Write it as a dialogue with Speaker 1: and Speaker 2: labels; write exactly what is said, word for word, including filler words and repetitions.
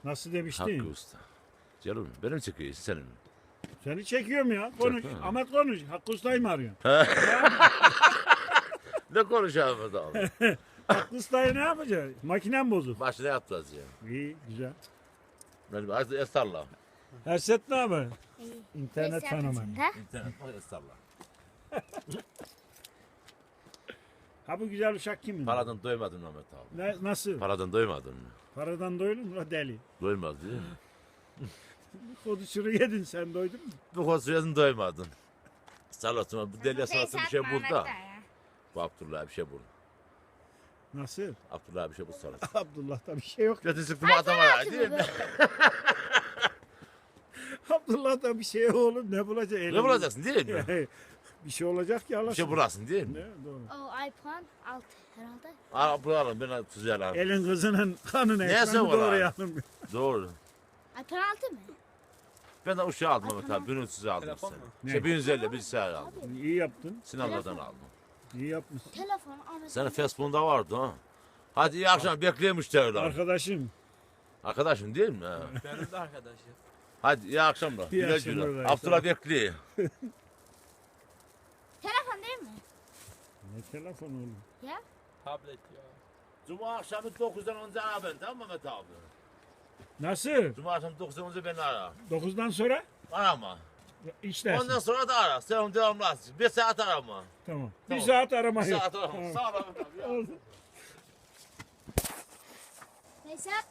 Speaker 1: Nasıl demiştin?
Speaker 2: Hakkı Usta. Canım benim çekiyorsun senin.
Speaker 1: Seni çekiyorum ya. Konuş.
Speaker 2: Çek, ha.
Speaker 1: Ahmet konuş. Hakkı Usta'yı mı arıyorsun?
Speaker 2: Ne konuşalım abi?
Speaker 1: Hakkı Usta'yı ne yapacak? Makinen bozuk.
Speaker 2: Başına yapacağız ya.
Speaker 1: İyi, güzel.
Speaker 2: Ben bir esarla.
Speaker 1: Herset ne haber?
Speaker 3: İyi.
Speaker 1: İnternet fenomeni.
Speaker 2: İnternet var esarla.
Speaker 1: Ha bu güzel uşak kimin?
Speaker 2: Paradan doymadın Mehmet abi.
Speaker 1: Ne, nasıl?
Speaker 2: Paradan doymadın mı?
Speaker 1: Paradan doydun mu la deli?
Speaker 2: Doymadı değil mi?
Speaker 1: Koduşuru yedin sen doydun mu?
Speaker 2: Bu konuşuyorsun doymadın. Salatıma bu deliye salatı bir şey bul da. Bu Abdullah bir şey bul.
Speaker 1: Nasıl?
Speaker 2: Abdullah bir şey bul salat.
Speaker 1: Abdullah'ta bir şey yok.
Speaker 2: Götü sıktım adama ya değil mi?
Speaker 1: Abdullah'ta bir şey yok oğlum. Ne bulacak?
Speaker 2: Ne bulacaksın değil mi?
Speaker 1: Bir şey olacak ki Allah.
Speaker 2: Bir şey bulasın değil mi?
Speaker 1: Ne? Doğru.
Speaker 3: O iPhone altı herhalde.
Speaker 2: Al bulalım ben tuzlu alalım.
Speaker 1: Elin kızının kanını
Speaker 2: Neyse
Speaker 1: ekranı
Speaker 2: var
Speaker 1: doğru
Speaker 2: abi.
Speaker 1: yanım.
Speaker 2: Doğru.
Speaker 3: iPhone altı mı?
Speaker 2: Ben de uşağı aldım Mehmet abi. Bin üç yüz aldım
Speaker 4: Telefon
Speaker 2: seni.
Speaker 4: mu?
Speaker 2: İşte bin yüz elli bilgisayar aldım.
Speaker 1: İyi yaptın.
Speaker 2: Sinanlardan aldım.
Speaker 1: İyi yapmışsın.
Speaker 3: Telefon Ahmet.
Speaker 2: Senin Facebook'unda vardı ha. Hadi iyi akşam bekleyin müşteriler.
Speaker 1: Arkadaşım.
Speaker 2: Arkadaşın değil mi? Ha.
Speaker 4: Benim de arkadaşım.
Speaker 2: Hadi iyi akşamlar.
Speaker 1: İyi
Speaker 2: Güle
Speaker 1: akşamlar
Speaker 2: güle.
Speaker 1: dayı,
Speaker 2: Abdullah bekliyor.
Speaker 3: Telefon değil mi?
Speaker 1: Ne telefon oğlum?
Speaker 3: Ya.
Speaker 4: Tablet ya.
Speaker 2: Cuma akşamı dokuzdan onca ara ben tamam mı Mehmet abi?
Speaker 1: Nasıl?
Speaker 2: Cuma akşamı dokuzdan onca beni ara.
Speaker 1: dokuzdan sonra
Speaker 2: Arama.
Speaker 1: işlersin.
Speaker 2: Ondan sonra da ara. Sen devamlı at. Bir saat arama.
Speaker 1: Tamam. Bir
Speaker 2: Tamam.
Speaker 1: saat arama
Speaker 2: Bir
Speaker 1: yok.
Speaker 2: saat arama.
Speaker 1: Tamam.
Speaker 2: Sağ ol Mehmet abi. ya.
Speaker 3: Neyse.